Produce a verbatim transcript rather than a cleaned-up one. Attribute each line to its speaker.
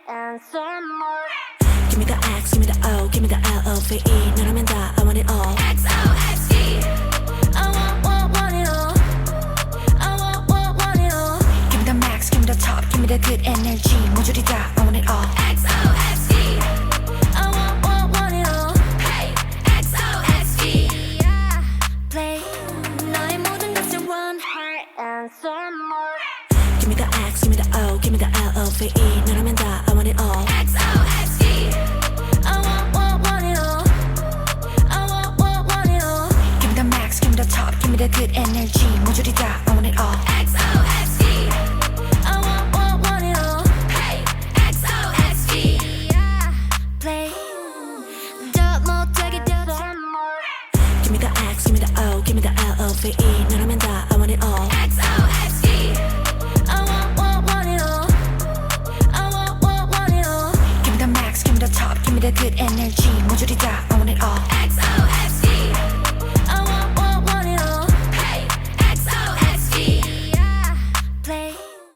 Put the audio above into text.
Speaker 1: and some more.
Speaker 2: Give me the X, give me the O, give me the L O V E. 너라면 다 I want it all.
Speaker 1: X O X D. I want, want, want it all. I want, want, want it all.
Speaker 2: Give me the max, give me the top, give me the good energy. 모조리 다 I want it all.
Speaker 1: X O X D. I want, want, want it all. Hey, X O X D. Yeah. Play. 너의 모든 것을 원해 and some more.
Speaker 2: Give me the X, give me the O, give me the L O V E. 너라면 다 I want it all.
Speaker 1: X O X D. I want, want, want it all. I want, want, want it all.
Speaker 2: Give me the max, give me the top, give me the good energy. 모조리 다 I want it all.
Speaker 1: X O X D. I want, want, want it all. Hey, X O X D. Yeah. Play. 더 못하게 더 some more.
Speaker 2: Give me the X, give me the O, give me the L O V E. 너라면 다 I want it all.
Speaker 1: X O X D. I want, want, want it all. I want, want, want it all.
Speaker 2: Give me the max, give me the top, give me the good energy. 모조리 다 I want it all.
Speaker 1: X O X